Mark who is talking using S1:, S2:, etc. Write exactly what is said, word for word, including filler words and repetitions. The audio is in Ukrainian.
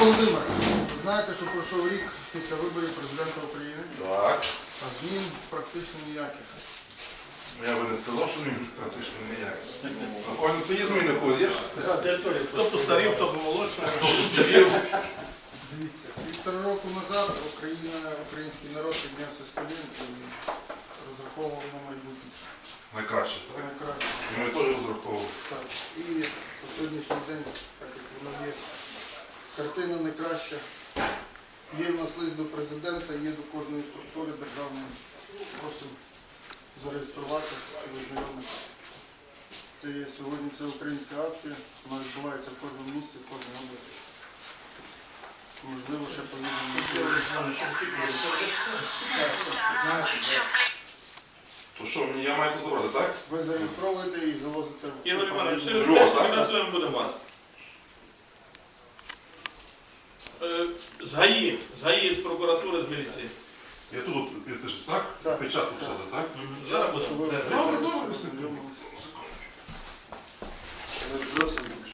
S1: Володимир, ви знаєте, що пройшов рік після виборів президента України,
S2: Так.
S1: а змін практично ніяких.
S2: Я би не сказав, що він практично ніяк. Напевно, це є зміни ходиш.
S3: Хто постарів, хто помолодшав.
S1: Дивіться, півтора року назад Україна, український народ піднявся з колін і розраховував на майбутнє.
S2: Найкраще, так?
S1: Найкраще.
S2: І ми теж розраховували.
S1: Так. І по сьогоднішній день, так як воно є, картина не краща. Є в нас лист до президента, є до кожної структури державної. Просимо зареєструвати і ознайомитися. Це є сьогодні це українська акція, вона відбувається в кожному місті, в кожній області. Можливо, ще повідомлення.
S2: То що, мені я маю тут забрати, так?
S1: Ви зареєстровуєте і завозите.
S3: Ігор Іванович, все
S2: Львов, так?
S3: фінансуємо будемо вас. Е, З ГАІ, з ГАІ, з прокуратури, з міліції.
S2: Я тут, от, ти ж так?
S1: Так.
S2: Печатку
S1: Так.